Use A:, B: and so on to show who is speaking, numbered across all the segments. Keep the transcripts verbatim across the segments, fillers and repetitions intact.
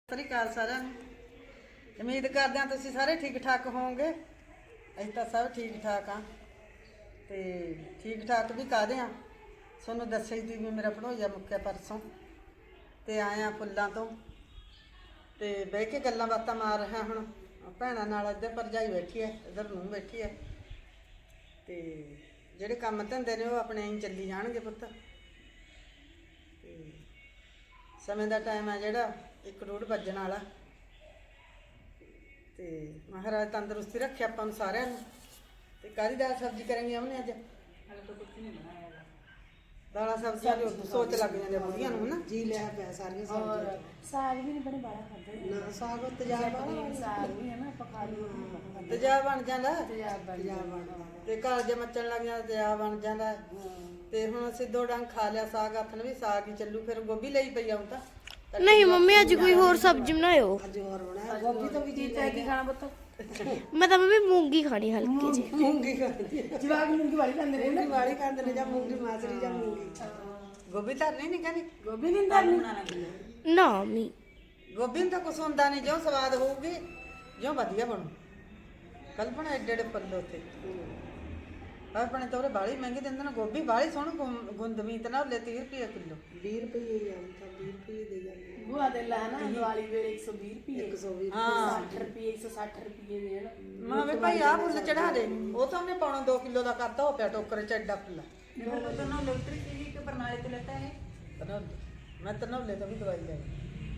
A: ਸਤਿ ਸ਼੍ਰੀ ਅਕਾਲ ਸਾਰਿਆਂ ਨੂੰ। ਉਮੀਦ ਕਰਦੇ ਹਾਂ ਤੁਸੀਂ ਸਾਰੇ ਠੀਕ ਠਾਕ ਹੋਵੋਗੇ। ਅਸੀਂ ਤਾਂ ਸਭ ਠੀਕ ਠਾਕ ਹਾਂ ਤੇ ਠੀਕ ਠਾਕ ਵੀ ਕਾਹਦੇ ਹਾਂ, ਤੁਹਾਨੂੰ ਦੱਸਿਆ ਹੀ ਵੀ ਮੇਰਾ ਭਣੋਈਆ ਮੁੱਕਿਆ ਪਰਸੋਂ ਤੇ ਆਏ ਆ ਫੁੱਲਾਂ ਤੋਂ ਤੇ ਬਹਿ ਕੇ ਗੱਲਾਂ ਬਾਤਾਂ ਮਾਰ ਰਿਹਾ। ਹੁਣ ਭੈਣਾਂ ਨਾਲ ਇੱਧਰ ਭਰਜਾਈ ਬੈਠੀ ਹੈ, ਇੱਧਰ ਨੂੰਹ ਬੈਠੀ ਹੈ ਤੇ ਜਿਹੜੇ ਕੰਮ ਧੰਦੇ ਨੇ ਉਹ ਆਪਣੇ ਐਂ ਚੱਲੀ ਜਾਣਗੇ ਪੁੱਤ। ਤੇ ਸਮੇਂ ਦਾ ਟਾਈਮ ਹੈ ਜਿਹੜਾ ਇੱਕ ਡੂਢ ਵੱਜਣ ਵਾਲਾ ਤੇ ਮਹਾਰਾਜ ਤੰਦਰੁਸਤੀ ਰੱਖੇ ਆਪਾਂ ਨੂੰ ਸਾਰਿਆਂ ਨੂੰ। ਤੇ ਕਾਹਦੀ ਦਾਲ ਸਬਜ਼ੀ ਕਰਾਂਗੇ ਉਹਨੇ ਅੱਜ?
B: ਹਾਲੇ ਤਾਂ ਕੁਝ ਨਹੀਂ ਬਣਾਇਆ ਹੈਗਾ।
A: ਦਾਲਾਂ ਸਬਜ਼ੀਆਂ ਦੀ ਸੋਚ ਲੱਗ ਜਾਂਦੇ ਬੁੜੀਆਂ ਨੂੰ ਹਨਾ, ਜੀ ਲਿਆ ਪਿਆ ਸਾਰੀਆਂ ਸਬਜ਼ੀਆਂ।
C: ਸਾਗ ਵੀ ਨਹੀਂ ਬਣੇ ਬਾਲਾ ਖਾਂਦੇ
A: ਨਾ ਸਾਗ ਤੇਜ਼ਾਬ ਵਾਲਾ
C: ਸਾਗ ਵੀ ਹੈ ਨਾ ਪਕਾ ਲਈ
A: ਤੇਜ਼ਾਬ ਬਣ ਜਾਂਦਾ
C: ਤੇਜ਼ਾਬ ਬਣ ਜਾਂਦਾ
A: ਤੇ ਘਰ ਜੇ ਮੱਚਣ ਲੱਗ ਜਾਂਦਾ ਤੇਜ਼ਾਬ ਬਣ ਜਾਂਦਾ। ਤੇ ਹੁਣ ਅਸੀਂ ਦੋ ਡੰਗ ਖਾ ਲਿਆ ਸਾਗ, ਆਥਣ ਵੀ ਸਾਗ ਹੀ ਚੱਲੂ। ਫਿਰ ਗੋਭੀ ਲਈ ਪਈ ਆਉਂ ਤਾਂ
D: नहीं मम्मी आज कोई और सब्जी बनायो।
A: ਅੱਜ ਹੋਰ ਬਣਾਇਆ ਗੋਭੀ ਤੋਂ ਵੀ ਜੀ
C: ਤੈ ਕੀ ਖਾਣਾ ਪੁੱਤ?
D: मैं तो मम्मी मूंगी खानी हल्की जी।
A: ਮੂੰਗੀ ਖਾਂਦੀ ਹੈ,
C: ਜਵਾਗ ਮੂੰਗੀ ਵਾਲੀ ਖਾਂਦੇ ਨੇ
A: ਮੂੰਗੀ ਵਾਲੀ ਖਾਂਦੇ ਨੇ ਜਾਂ ਮੂੰਗੀ ਮਾਸਰੀ ਜਾਂ ਮੂੰਗੀ। ਗੋਭੀ ਧਰਨੀ ਨਹੀਂ ਕਹਿੰਦੀ,
C: ਗੋਭੀ ਨਹੀਂ ਧਰਨੀ।
D: ना मम्मी
A: ਗੋਭੀ ਨੂੰ ਤਾਂ ਕੁਛ ਹੁੰਦਾ ਨਹੀਂ, ਜੋ ਸਵਾਦ ਹੋਊਗੀ ਜੋ ਵਧੀਆ ਬਣੂ। ਕੱਲ ਬਣਾ ਏਡੇ ਏਡੇ ਪੱਲੇ ਉੱਥੇ ਆਪਣੇ ਤਾਂ ਉਹਦੇ ਬਾਲੀ ਮਹਿੰਗੀ ਦਿੰਦੇ ਨੇ ਗੋਭੀ, ਬਾਲੀ ਸੋਹਣੀ ਗੁੰਦਵੀਂ ਤੇ ਨਾ ਲੈ ਤੀਹ ਰੁਪਏ ਕਿਲੋ। ਵੀਹ ਰੁਪਏ ਹੀ ਆ ਤਾਂ ਵੀਹ ਰੁਪਏ ਦੇ ਜਾਂਦੇ
C: ਬੁਆ ਦੇ ਲਾ ਨਾ ਦੀਵਾਲੀ ਵੇਲੇ ਇੱਕ ਸੌ ਵੀਹ ਰੁਪਏ
A: ਇੱਕ ਸੌ ਵੀਹ
C: ਹਾਂ ਸੱਠ ਰੁਪਏ ਇੱਕ ਸੌ ਸੱਠ ਰੁਪਏ ਦੇ ਨਾ।
A: ਮਾਂ ਵੇ ਭਾਈ ਆਹ ਫੁੱਲ ਚੜਾ ਦੇ, ਉਹ ਤਾਂ ਉਹਨੇ ਪੌਣਾ ਦੋ ਕਿਲੋ ਦਾ ਕਰਤਾ ਹੋ ਪਿਆ ਟੋਕਰੇ ਚ ਐਡਾ ਫੁੱਲ।
B: मेरे को तो ना इलेक्ट्रिक टीवी के प्रणाली तो लेता है।
A: ਤਨੌਲੇ ਮੈਂ ਤਨੌਲੇ ਤੋਂ ਵੀ ਦਵਾਈ ਲੈਣੀ,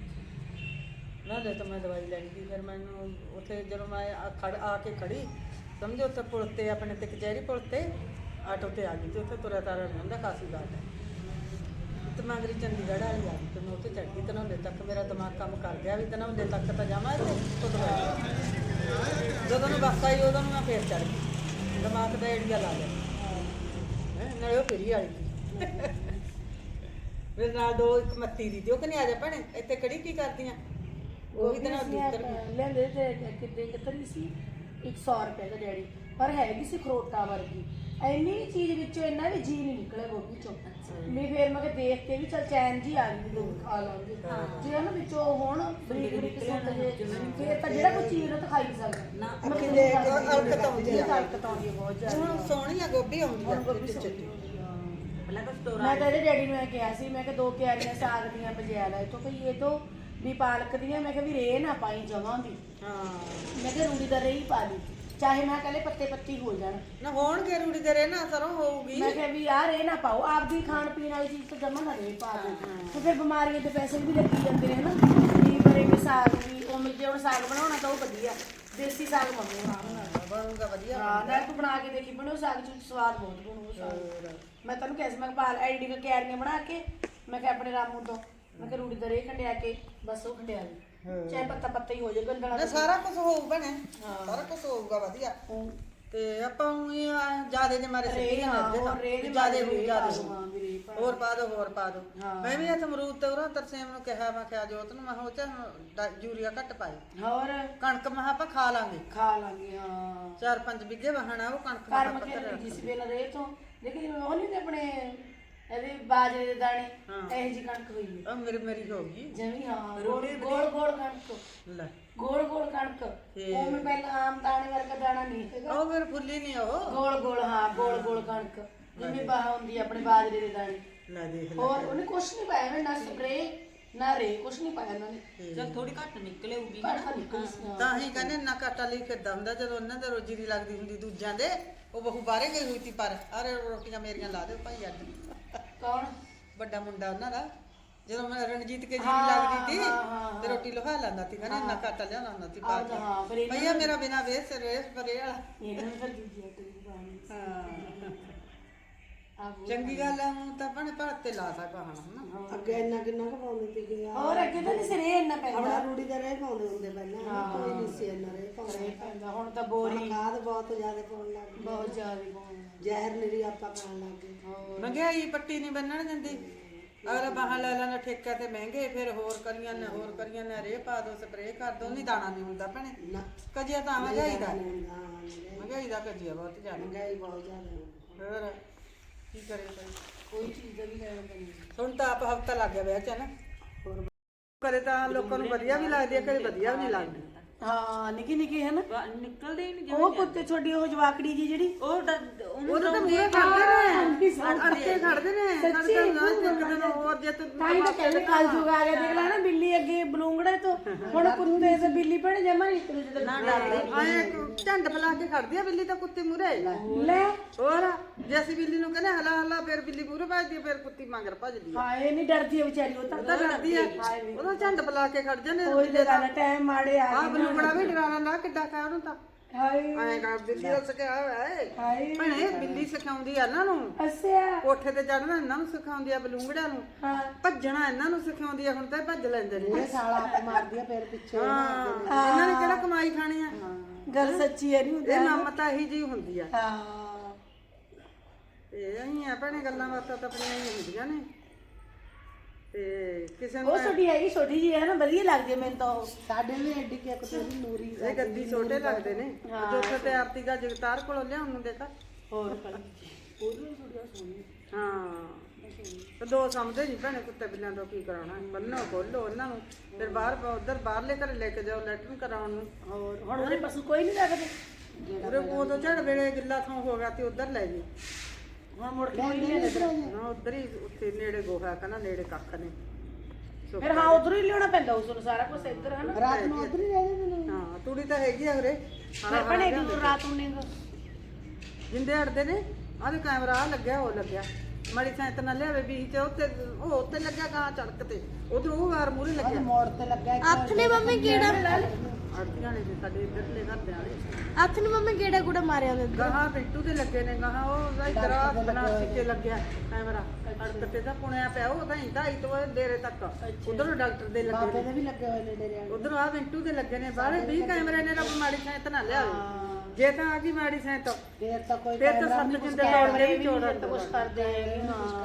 A: ਨਾਲੇ ਤਾਂ ਮੈਂ ਦਵਾਈ ਲੈਣੀ ਸੀ। ਫਿਰ ਮੈਨੂੰ ਉੱਥੇ ਜਦੋਂ ਮੈਂ ਆ ਖੜ ਆ ਕੇ ਖੜੀ ਸਮਝੋ ਉੱਥੇ ਪੁਲ ਤੇ ਆਪਣੇ ਤੇ ਕਚਹਿਰੀ ਪੁਲ ਤੇ ਆਟੋ ਤੇ ਆ ਗਈ ਤੇ ਉੱਥੇ ਤੁਰਿਆ ਤਾਰਾ ਨਹੀਂ ਹੁੰਦਾ ਕਾਸੀ ਬਾਤ ਹੈ ਤੇ ਮੰਗਰੀ ਚੰਡੀਗੜ੍ਹ ਵਾਲੀ ਆ ਗਈ ਤੇ ਮੈਂ ਉੱਥੇ ਚੜ੍ਹ ਗਈ ਤਨੌਲੇ ਤੱਕ। ਮੇਰਾ ਦਿਮਾਗ ਕੰਮ ਕਰ ਗਿਆ ਵੀ ਤਨੌਲੇ ਤੱਕ ਤਾਂ ਜਾਵਾਂ ਤੇ ਉੱਥੋਂ ਦਵਾਈ। ਜਦੋਂ ਨੂੰ ਬੱਸ ਆਈ ਉਦੋਂ ਨੂੰ ਮੈਂ ਫੇਰ ਚੜ੍ਹ ਗਈ, ਦਿਮਾਗ ਦਾ ਏੜੀਆ ਲਾ ਲਿਆ ਹੈਂ, ਨਾਲੇ ਉਹ ਫੇਰੀ ਵਾਲੀ ਸੀ ਮੇਰੇ ਨਾਲ ਦੋ ਇੱਕ ਮੱਤੀ ਦੀ ਤੇ ਉਹ ਕਹਿੰਦੀ ਆ ਜਾ ਭੈਣੇ ਇੱਥੇ ਖੜੀ ਕੀ ਕਰਦੀਆਂ? ਉਹ ਵੀ ਤਾਂ ਉੱਤਰ ਗਈ।
C: ਲੈਂਦੇ ਤੇ ਕਿਤੇ ਕਿਤਰੀ ਸੀ ਇੱਕ ਸੌ ਰੁਪਏ ਦਾ ਡੈਡੀ, ਪਰ ਹੈਗੀ ਸੀ ਖਰੋਟਾ ਵਰਗੀ। ਇੰਨੀ ਚੀਜ਼ ਵਿੱਚੋਂ ਇੰਨਾ ਵੀ ਜੀ ਨਹੀਂ ਨਿਕਲਿਆ ਗੋਭੀ ਚੋਂ। ਮੈਂ ਫੇਰ ਮੈਂ ਕਿਹਾ ਦੇਖ ਕੇ ਵੀ ਚਲ ਚੈਨ ਜੀ ਆ ਗਈ ਲੋਕ ਖਾ ਲਾਂਗੇ ਜੇ ਉਹਨਾਂ ਵਿੱਚੋਂ ਹੁਣ ਬਰੀਕ ਬਰੀਕ ਸੁੱਟ ਜੇ ਫੇਰ ਤਾਂ ਜਿਹੜਾ ਕੋਈ ਚੀਜ਼ ਉਹ ਤਾਂ ਖਾਈ ਸਕਦਾ
B: ਨਾ
A: ਅੱਖੀ ਦੇਖ ਅਲਕਤ ਆਉਂਦੀ ਆ,
C: ਹਲਕਤ ਆਉਂਦੀ ਹੈ ਬਹੁਤ ਜ਼ਿਆਦਾ।
A: ਹੁਣ ਸੋਹਣੀ ਆ ਗੋਭੀ ਆਉਂਦੀ ਆ
C: ਗੋਭੀ
A: ਵਿੱਚ ਚੱਲੀ।
B: पहले तो स्टोर
C: ਮੈਂ ਤਾਂ ਇਹਦੇ ਡੈਡੀ ਨੂੰ ਇਹ ਕਿਹਾ ਸੀ, ਮੈਂ ਕਿਹਾ ਦੋ ਕਿਆਰੀਆਂ ਸਾਗ ਦੀਆਂ ਬਜਿਆ ਲੈ ਇੱਥੋਂ ਭਈ ਇਹ ਤੋਂ ਵੀ ਪਾਲਕ ਦੀਆਂ। ਮੈਂ ਕਿਹਾ ਵੀ ਰੇ ਨਾ ਪਾਈ ਜਮਾਂ ਵੀ,
A: ਹਾਂ
C: ਮੈਂ ਕਿਹਾ ਰੂੜੀ ਦਾ ਰੇ ਹੀ ਪਾ ਲਈ, ਚਾਹੇ ਮੈਂ ਕਹਿੰਦੇ ਪੱਤੇ ਪੱਤੀ ਹੋ ਜਾਣ।
A: ਨਾ ਹੋਣਗੇ ਰੂੜੀ ਦੇ ਰੇ ਨਾ ਸਰੋਂ ਹੋਊਗੀ।
C: ਮੈਂ ਕਿਹਾ ਵੀ ਆਹ ਰੇ ਨਾ ਪਾਓ, ਆਪਦੀ ਖਾਣ ਪੀਣ ਵਾਲੀ ਚੀਜ਼ ਤੋਂ ਜਮਾ ਨਾ ਰੇ ਪਾ ਦਿਓ ਤੇ ਫਿਰ ਬਿਮਾਰੀਆਂ ਦੇ ਪੈਸੇ ਵੀ ਲੱਗੀ ਜਾਂਦੇ ਨੇ ਹਨਾ। ਵੀ ਬਰੇ ਵੀ ਸਾਗ ਵੀ ਉਹ ਮਿਲ ਜੇ। ਹੁਣ ਸਾਗ ਬਣਾਉਣਾ ਤਾਂ ਉਹ ਵਧੀਆ ਦੇਸੀ ਸਾਗ ਬਣਾਉਣਾ
A: ਬਣੂਗਾ ਵਧੀਆ।
C: ਹਾਂ ਨਾ ਤੂੰ ਬਣਾ ਕੇ ਦੇਖੀ, ਬਣੋ ਸਾਗ ਚ ਸਵਾਦ ਬਹੁਤ ਬਣੂ ਸਾਗ। ਮੈਂ ਤੈਨੂੰ ਕਿਹਾ ਸੀ ਮੈਂ ਪਾਲ ਐਡੀ ਕ ਕਿਆਰੀਆਂ ਬਣਾ ਕੇ ਮੈਂ ਕਿਹਾ ਆਪਣੇ ਰਾਮੂ ਤੋਂ ਮੈਂ ਕਿਹਾ ਰੂੜੀ ਦਾ ਰੇ ਖੰਡਿਆ ਕੇ ਬਸ ਉਹ ਖੰਡਿਆ ਲਈ ਚਾਹੇ ਪੱਤਾ ਪੱਤਾ ਹੀ ਹੋ ਜਾਏ ਗੰਡਣਾ।
A: ਨਾ ਸਾਰਾ ਕੁਝ ਹੋਊ ਬਣੇ, ਸਾਰਾ ਕੁਝ ਹੋਊਗਾ ਵਧੀਆ। ਤੇ ਆਪਾਂ ਨੂੰ ਜਿਆਦੇ ਦੇ ਮਾਰੇ ਸਿੱਧੀ ਨਾ ਜਿਆਦੇ ਹੋ ਜਿਆਦੇ ਹੋਰ ਪਾ ਦੋ ਹੋਰ ਪਾ ਦੋ। ਮੈਂ ਵੀ ਇੱਥੇ ਅਮਰੂਦ ਤੇ ਉਹਨਾਂ ਤਰਸੇਮ ਨੂੰ ਕਿਹਾ ਮੈਂ ਕਿਹਾ ਜੋਤ ਨੂੰ ਮੈਂ ਉਹ ਚ ਯੂਰੀਆ ਘੱਟ ਪਾਏ।
C: ਹੋਰ
A: ਕਣਕ ਮੈਂ ਆਪਾਂ ਖਾ ਲਾਂਗੇ,
C: ਖਾ ਲਾਂਗੇ ਹਾਂ।
A: ਚਾਰ ਪੰਜ ਬਿੱਗੇ ਵਹਾਣਾ ਉਹ ਕਣਕ
C: ਘਰ
A: ਮੈਂ
C: ਮੱਕੇ
A: ਪੱਤਰ
C: ਜਿਸ ਵੇਲੇ ਰੇ ਤੋਂ ਲੇਕਿਨ ਉਹ ਨਹੀਂ ਆਪਣੇ ਇਹਦੇ ਬਾਜਰੇ ਦੇ ਦਾਣੇ ਇਹ ਜੀ ਕਣਕ ਹੋਈ ਹੈ
A: ਉਹ ਮੇਰੀ ਮੇਰੀ ਹੋ ਗਈ
C: ਜਮੀ। ਹਾਂ ਗੋਲ ਗੋਲ ਗੋਲ ਕਣਕ,
A: ਲੈ
C: ਗੋਲ ਗੋਲ ਕਣਕ। ਉਹ ਮੈਂ ਪਹਿਲਾਂ ਆਮ ਦਾਣੇ ਵਰਗਾ ਦਾਣਾ ਨਹੀਂ ਹੈਗਾ,
A: ਉਹ ਫਿਰ ਫੁੱਲੀ ਨਹੀਂ ਉਹ
C: ਗੋਲ ਗੋਲ। ਹਾਂ ਗੋਲ ਗੋਲ ਕਣਕ ਜਿਵੇਂ ਬਾਹ ਹੁੰਦੀ ਆ ਆਪਣੇ ਬਾਜਰੇ ਦੇ ਦਾਣੇ।
A: ਲੈ ਦੇਖ ਲੈ।
C: ਹੋਰ ਉਹਨੇ ਕੁਛ ਨਹੀਂ ਪਾਇਆ ਨਾ, ਨਾ ਸਪਰੇ ਨਾ ਰੇ, ਕੁਛ ਨਹੀਂ ਪਾਇਆ ਉਹਨਾਂ ਨੇ।
B: चल थोड़ी घट निकले होगी
C: ਕਣਕ ਨਿਕਲੀ ਸੀ ਹਾਂ।
A: ਤਾਂ ਹੀ ਕਹਿੰਦੇ ਨਾ ਘਾਟਾ ਲਈ ਫਿਰਦਾ ਹੁੰਦਾ ਜਦੋਂ ਉਹਨਾਂ ਦੇ ਰੋਜੀ ਦੀ ਲੱਗਦੀ ਹੁੰਦੀ ਦੂਜਿਆਂ ਦੇ। ਉਹ ਬਹੂ ਬਾਹਰੇ ਗਈ ਹੋਈ ਤੀ ਪਰ ਅਰੇ ਰੋਟੀਆਂ ਮੇਰੀਆਂ ਲਾ ਦਿਓ ਭਾਈ ਅੱਜ।
C: ਕੌਣ?
A: ਵੱਡਾ ਮੁੰਡਾ ਉਹਨਾਂ ਦਾ ਜਦੋਂ ਮੈਂ ਰਣਜੀਤ ਕੇ ਜੀ ਲੱਗਦੀ ਤੀ ਤੇ ਰੋਟੀ ਲੋਹਾ ਲੈਂਦਾ ਤੀ, ਕਹਿੰਦੇ ਨਾ ਘਾਟਾ ਲਿਆਉਣਾ ਹੁੰਦਾ ਤੀ ਪਾ ਕੇ।
C: ਹਾਂ ਫਿਰ ਇਹਨਾਂ
A: ਭਈਆ ਮੇਰਾ ਬਿਨਾ ਵੇਸ ਰੇਸ ਪਰੇ ਵਾਲਾ।
C: ਇਹਨਾਂ ਨੇ ਫਿਰ ਦੂਜੀ ਆਟੇ ਦੀ ਪਾਣੀ
A: ਹਾਂ
C: ਆ
A: ਚੰਗੀ ਗੱਲ ਆ, ਹੁਣ ਤਾਂ ਭਣੇ ਭਾਰਤ ਤੇ ਲਾ ਸਕਾ ਹਣਾ।
E: ਅੱਗੇ ਇੰਨਾ ਕਿੰਨਾ ਕੁ ਪਾਉਂਦੇ ਸੀਗੇ ਆ
C: ਹੋਰ ਅੱਗੇ ਤਾਂ ਨਹੀਂ ਸਿਰੇ ਇੰਨਾ ਪੈਂਦਾ
E: ਆਪਣਾ ਰੂੜੀ ਦਾ ਰਹਿ ਪਾਉਂਦੇ ਹੁੰਦੇ ਪਹਿਲਾਂ, ਕੋਈ ਨਹੀਂ ਸੀ ਇੰਨਾ ਰਹਿ ਪਾਉਂਦੇ।
C: ਪੈਂਦਾ ਹੁਣ ਤਾਂ ਬੋਰੀ
E: ਖਾਦ ਬਹੁਤ ਜ਼ਿਆਦਾ ਪਾਉਣ ਲੱਗ ਗਏ,
C: ਬਹੁਤ ਜ਼ਿਆਦਾ ਪਾਉਂਦਾ।
E: ਜ਼ਹਿਰ ਨਿਰੀ ਆਪਾਂ ਖਾਣ ਲੱਗ ਗਏ।
A: ਮਹਿੰਗਾਈ ਪੱਟੀ ਨਹੀਂ ਬੰਨਣ ਦਿੰਦੀ, ਅਗਲਾ ਬਾਹਾਂ ਲੈ ਲੈਣਾ ਠੇਕਾ ਤੇ ਮਹਿੰਗੇ, ਫਿਰ ਹੋਰ ਕਰੀਆਂ ਨੇ ਹੋਰ ਕਰੀਆਂ ਨੇ ਰੇ ਪਾ ਦੋ ਸਪਰੇਅ ਕਰ ਦੋ, ਨਹੀਂ ਦਾਣਾ ਨਹੀਂ ਹੁੰਦਾ ਭੈਣੇ।
E: ਨਾ
A: ਕਜੀਆ ਤਾਂ ਮਹਿੰਗਾਈ ਦਾ,
E: ਹਾਂ
A: ਮਹਿੰਗਾਈ ਦਾ ਕਜੀਆ ਬਹੁਤ ਜ਼ਿਆਦਾ।
E: ਮਹਿੰਗਾਈ ਬਹੁਤ ਜ਼ਿਆਦਾ।
A: ਹੋਰ ਕੀ ਕਰੇ ਕੋਈ,
C: ਕੋਈ ਚੀਜ਼ ਦਾ ਵੀ ਲੈਣਾ ਪੈਂਦਾ।
A: ਹੁਣ ਤਾਂ ਆਪ ਹਫਤਾ ਲੱਗ ਗਿਆ ਵਿਆਹ ਚ ਨਾ।
E: ਹੋਰ
A: ਕਦੇ ਤਾਂ ਲੋਕਾਂ ਨੂੰ ਵਧੀਆ ਵੀ ਲੱਗਦੀ ਹੈ, ਕਦੇ ਵਧੀਆ ਵੀ ਨਹੀਂ ਲੱਗਦੀ।
C: ਹਾਂ ਨਿੱਕੀ ਨਿੱਕੀ ਹੈ ਨਾ
B: ਵਾ- ਨਿਕਲਦੇ ਹੀ ਨਹੀਂ
C: ਉਹ ਕੁੱਤੇ ਛੋਡੀ ਉਹ ਜਵਾਕੜੀ ਜੀ ਜਿਹੜੀ
B: ਉਹ ਡ- ਉਹਨੂੰ
A: ਉਹਦੇ ਤਾਂ ਮੂਹਰੇ ਖੜਦੇ ਨੇ, ਅੜਕੇ ਖੜਦੇ ਨੇ, ਸਾਡੇ ਤਾਂ ਨਾ ਇੱਕ ਦਿਨ ਹੋਰ ਜੇ ਤੂੰ
C: ਤਾਂ ਹੀ ਤਾਂ ਕਹਿੰਦੇ ਕੱਲ ਜੁਗ ਆ ਗਿਆ ਦੇਖ ਲੈ ਨਾ ਬਿੱਲੀ ਅੱਗੇ ਬਲੂੰਗੜੇ ਤੋਂ ਹੁਣ ਕੁੱਤੇ ਤੇ ਬਿੱਲੀ ਭੈਣ ਜਮਾ ਨਹੀਂ ਇੱਕ ਦੂਜੇ
B: ਨਾ
C: ਦੇ
B: ਡਰਦੇ
A: ਆਏ ਝੰਡ ਫਲਾ ਕੇ ਖੜਦੀ ਆ ਬਿੱਲੀ ਤਾਂ ਕੁੱਤੇ ਮੂਹਰੇ।
C: ਲੈ
A: ਹੋਰ ਜੇ ਅਸੀਂ ਬਿੱਲੀ ਨੂੰ ਕਹਿੰਦੇ ਹਲਾ ਹਲਾ, ਫਿਰ ਬਿੱਲੀ ਮੂਹਰੇ ਭੱਜਦੀ ਆ, ਫਿਰ ਕੁੱਤੀ ਮਗਰ ਭੱਜਦੀ ਆ।
C: ਹਾਏ ਨਹੀਂ ਡਰਦੀ ਹੈ ਵਿਚਾਰੀ ਉਹ ਤਾਂ
A: ਉਹ ਤਾਂ ਡਰਦੀ ਆ, ਉਹਦਾ ਝੰਡ ਫਲਾ ਕੇ ਖੜ ਜਾਂਦੇ।
C: ਕੋਈ ਤੇ ਗੱਲ ਟਾਈਮ ਮਾੜੇ ਆ
A: ਆ ਬਲੂੰਗੜਾ ਵੀ ਡਰਾਣਾ ਨਾ ਕਿੱਡਾ ਕਾ ਉਹਨੂੰ ਤਾਂ
C: ਹਾਏ
A: ਐਂ ਕਰ ਬਿੱਲੀ ਦਾ ਸਿਖਿਆ ਹੋਇਆ ਏ।
C: ਹਾਏ
A: ਭੈਣੇ ਬਿੱਲੀ ਸਿਖਾਉਂਦੀ ਆ ਇਹਨਾਂ ਨੂੰ,
C: ਅੱਛਾ
A: ਕੋਠੇ ਤੇ ਚੜਨਾ ਇਹਨਾਂ ਨੂੰ ਸਿਖਾਉਂਦੀ ਆ, ਬਲੂੰਗੜਿਆਂ ਨੂੰ
C: ਹਾਂ
A: ਭੱਜਣਾ ਇਹਨਾਂ ਨੂੰ ਸਿਖਾਉਂਦੀ ਆ। ਹੁਣ ਤਾਂ ਇਹ ਭੱਜ ਲੈਂਦੇ ਨੇ।
E: ਇਹ ਸਾਲਾ ਆਪ ਮਾਰਦੀ ਆ ਫਿਰ ਪਿੱਛੇ
A: ਹਾਂ ਇਹਨਾਂ ਨੇ ਕਿਹੜਾ ਕਮਾਈ ਖਾਣੀ ਆ।
C: ਗੱਲ ਸੱਚੀ ਹੈ ਨਹੀਂ ਹੁੰਦਾ
A: ਇਹ ਮਮਤਾ ਇਹੀ ਜੀ ਹੁੰਦੀ ਆ।
C: ਹਾਂ
A: ਤੇ ਅਹੀਂ ਆ ਭੈਣੇ ਗੱਲਾਂ ਬਾਤਾਂ ਤਾਂ ਆਪਣੀਆਂ ਹੀ ਹੁੰਦੀਆਂ ਨੇ। ਤੇ ਕਿਸੇ ਨੂੰ
C: ਉਹ ਛੋਟੀ ਹੈਗੀ ਛੋਟੀ ਜੀ ਹੈ ਨਾ ਵਧੀਆ ਲੱਗਦੀ ਹੈ ਮੈਨੂੰ ਤਾਂ ਉਹ
E: ਸਾਡੇ ਵੀ ਐਡੀ ਕਿ ਇੱਕ ਤੇਰੀ ਨੂਰੀ
A: ਇਹ ਗੱਦੀ ਛੋਟੇ ਲੱਗਦੇ ਨੇ। ਜੋ ਉੱਥੇ ਤੇ ਆਰਤੀ ਦਾ ਜਗਤਾਰ ਕੋਲੋਂ ਲਿਆਉਣ ਨੂੰ ਦੇਖਾ।
C: ਹੋਰ ਉਹਦੀ ਥੋੜੀ ਸੋਹਣੀ
A: ਹਾਂ ਤੇ ਦੋ ਸਮਝਦੇ ਨਹੀਂ ਭੈਣੇ ਕੁੱਤੇ ਬਿੱਲਿਆਂ ਤੋਂ ਕੀ ਕਰਾਉਣਾ। ਬੰਨੋ ਖੋਲੋ ਉਹਨਾਂ ਨੂੰ, ਫਿਰ ਬਾਹਰ ਉਧਰ ਬਾਹਰਲੇ ਘਰੇ ਲੈ ਕੇ ਜਾਓ ਲੈਟਰਿਨ ਕਰਾਉਣ ਨੂੰ।
C: ਹੋਰ ਹੁਣ ਉਹਦੇ ਪਸ਼ੂ ਕੋਈ ਨਹੀਂ ਰੱਖਦੇ
A: ਉਰੇ ਉਦੋਂ ਝੜ ਵੇਲੇ ਗਿੱਲਾ ਥਾਂ ਹੋ ਗਿਆ ਤੇ ਉਧਰ ਲੈ ਜੀ।
C: ਹੁਣ ਮੁੜ ਕੇ ਕੋਈ ਨਹੀਂ ਲੈਂਦਾ
A: ਨਾ ਉਧਰ ਹੀ ਉੱਥੇ ਨੇੜੇ ਗੋਹਾ ਕਹਿੰਦਾ ਨੇੜੇ ਕੱਖ ਨੇ। ਸੋ
C: ਫਿਰ ਹਾਂ ਉਧਰੋਂ ਹੀ ਲਿਆਉਣਾ ਪੈਂਦਾ ਉਸ ਨੂੰ ਸਾਰਾ ਕੁਝ ਇੱਧਰ ਹੈ ਨਾ
E: ਰਾਤ ਨੂੰ ਉਧਰ ਹੀ ਰਹਿ ਜਾਂਦੇ ਨੇ।
A: ਹਾਂ ਤੂੜੀ ਤਾਂ ਹੈਗੀ ਆ ਉਰੇ।
C: ਫਿਰ ਬਣੇ ਕਿ ਰਾਤ ਨੂੰ ਨਹੀਂ
A: ਜਿੰਦੇ ਅੜਦੇ ਨੇ ਆਹ ਕੈਮਰਾ ਆ ਲੱਗਿਆ ਉਹ ਲੱਗਿਆ ਮਾੜੀ ਸਾਇਤ ਨਾਲ ਲਿਆਵੇ ਵੀ ਤੇ ਉੱਤੇ ਉਹ ਉੱਤੇ ਲੱਗਿਆ ਗਾਂ ਚੜਕ ਤੇ ਉਧਰ ਉਹ ਵਾਰ ਮੂਰੇ ਲੱਗਿਆ।
E: ਮੋੜ ਤੇ ਲੱਗਾ ਇੱਕ
D: ਹੱਥ ਨੇ ਮੰਮੀ ਕਿਹੜਾ
A: ਅੜਤੀਆਂ ਨੇ ਸਾਡੇ ਇੱਧਰਲੇ ਘਰ ਦੇ ਆਲੇ
D: ਹੱਥ ਨੇ ਮੰਮੀ ਕਿਹੜਾ ਗੁੜਾ ਮਾਰਿਆ ਉਹਦੇ
A: ਗਾਹਾਂ ਪਿੱਟੂ ਤੇ ਲੱਗੇ ਨੇ। ਗਾਹਾਂ ਉਹ ਇਧਰ ਆ ਬਣਾ ਕੇ ਲੱਗਿਆ ਕੈਮਰਾ ਅੜਕ ਤੇ ਤਾਂ ਪੁਣਿਆ ਪਿਆ ਉਹ ਤਾਂ ਇੰਦਾ ਹੀ ਤੋਂ ਡੇਰੇ ਤੱਕ। ਉਧਰ ਡਾਕਟਰ ਦੇ ਲੱਗੇ
E: ਬਾਬੇ
A: ਨੇ,
E: ਦੇ ਵੀ ਲੱਗੇ ਹੋਏ ਨੇ ਡੇਰੇ ਵਾਲੇ।
A: ਉਧਰ ਆ ਮਿੰਟੂ ਦੇ ਲੱਗੇ ਨੇ। ਬਾਹਰੇ ਵੀਹ ਕੈਮਰੇ ਨੇ। ਰੱਬ ਮਾੜੀ ਸਾਇਤ ਨਾ ਲਿਆਵੇ। ਜੇ ਤਾਂ ਆ ਗਈ ਮਾੜੀ ਸਾਇਤ
E: ਫੇਰ ਤਾਂ ਕੋਈ
A: ਫਿਰ ਤਾਂ ਸੱਤ ਜਿੰਦੇ ਤੋੜਦੇ ਵੀ ਚੋੜਾਂ
C: ਤਾਂ ਕੁਝ ਕਰਦੇ ਹੈਗੇ